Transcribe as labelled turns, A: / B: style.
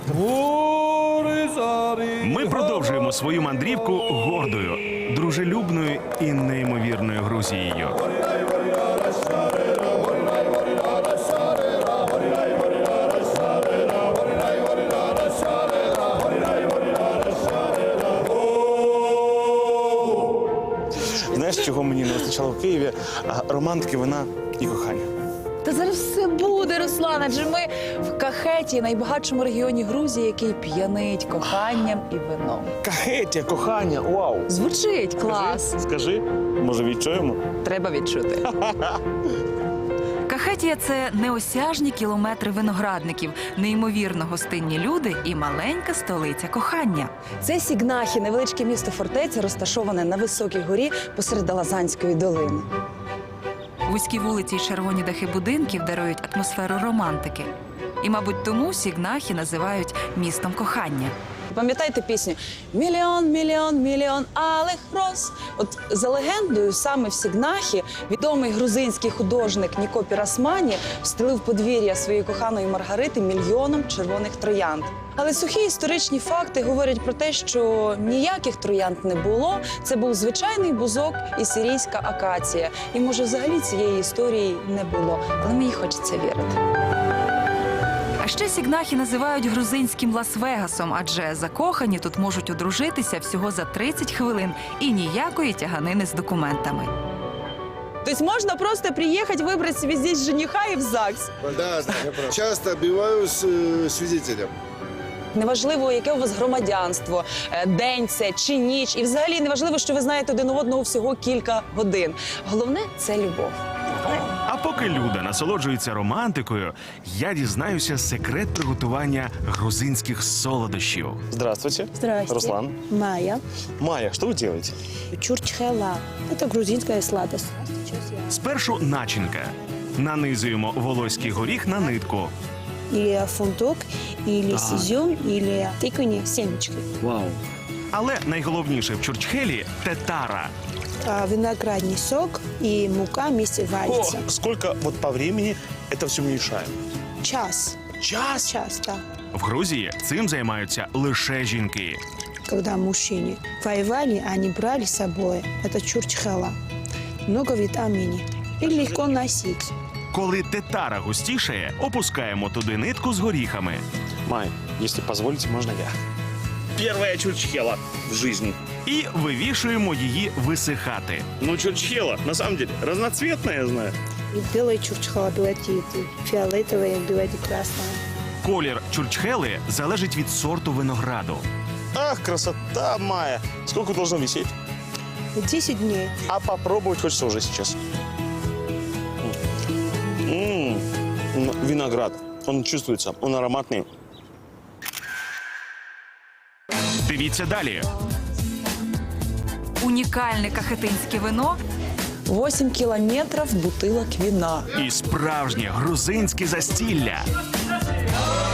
A: Ми продовжуємо свою мандрівку гордою, дружелюбною і неймовірною Грузією.
B: Знаєш, чого мені не вистачало в Києві? Романтики, вина і кохання.
C: Та зараз все буде, Руслан, адже ми в Кахеті, найбагатшому регіоні Грузії, який п'янить коханням і вином.
B: Кахетія, кохання, вау!
C: Звучить клас.
B: Скажи, може відчуємо?
C: Треба відчути.
D: Кахетія – це неосяжні кілометри виноградників, неймовірно гостинні люди і маленька столиця кохання.
C: Це Сігнахі, невеличке місто-фортеця, розташоване на високій горі посеред Лазанської долини.
D: Вузькі вулиці й червоні дахи будинків дарують атмосферу романтики. І, мабуть, тому Сігнахі називають містом кохання.
C: Пам'ятаєте пісню «Мільйон, мільйон, мільйон алих роз»? От за легендою, саме в Сігнахі відомий грузинський художник Ніко Пірасмані встелив подвір'я своєї коханої Маргарити мільйоном червоних троянд. Але сухі історичні факти говорять про те, що ніяких троянд не було. Це був звичайний бузок і сирійська акація. І, може, взагалі цієї історії не було. Але мені хочеться вірити.
D: А ще Сігнахі називають грузинським Лас-Вегасом, адже закохані тут можуть одружитися всього за 30 хвилин і ніякої тяганини з документами.
C: Тобто можна просто приїхати, вибрати собі здесь жениха і в ЗАГС.
E: Да, часто бываю свидетелем.
C: Неважливо, яке у вас громадянство, день це чи ніч. І взагалі неважливо, що ви знаєте один одного всього кілька годин. Головне – це любов.
A: А поки Люда насолоджується романтикою, я дізнаюся секрет приготування грузинських солодощів.
B: Здравствуйте.
F: Здрасте.
B: Руслан.
F: Майя.
B: Майя, что вы делаете?
F: Чурчхела. Это грузинская сладость.
A: Спершу начинка. Нанизуємо волоський горіх на нитку.
F: Или фундук, или изюм, или тыквенные семечки.
A: Але найголовніше в чурчхелі – тетара.
F: Виноградный сок и мука вместе варится.
B: Сколько вот по времени это все мешаем?
F: Час.
B: Час?
F: Час, да.
A: В Грузії цим займаються лише жінки.
F: Когда мужчины воевали, они брали с собой. Это чурчхела. Много витаминов. И легко носить.
A: Коли тетара густішає, опускаємо туди нитку з горіхами.
B: Май, если позволите, можно я? Первая чурчхела в жизни.
A: І вивішуємо її висихати.
B: Ну, чурчхела, на самом деле, разноцветная, я знаю.
F: И белая чурчхела, бывает и фиолетовая, бывает и красная.
A: Колір чурчхели залежить від сорту винограду.
B: Ах, красота, Майя. Сколько должно висеть?
F: 10 дней.
B: А попробовать хочется уже сейчас. Виноград. Он чувствуется, он ароматный.
A: Дивіться далі.
D: Унікальне кахетинське вино
C: 8 кілометрів бутилок вина.
A: І справжнє грузинське застілля.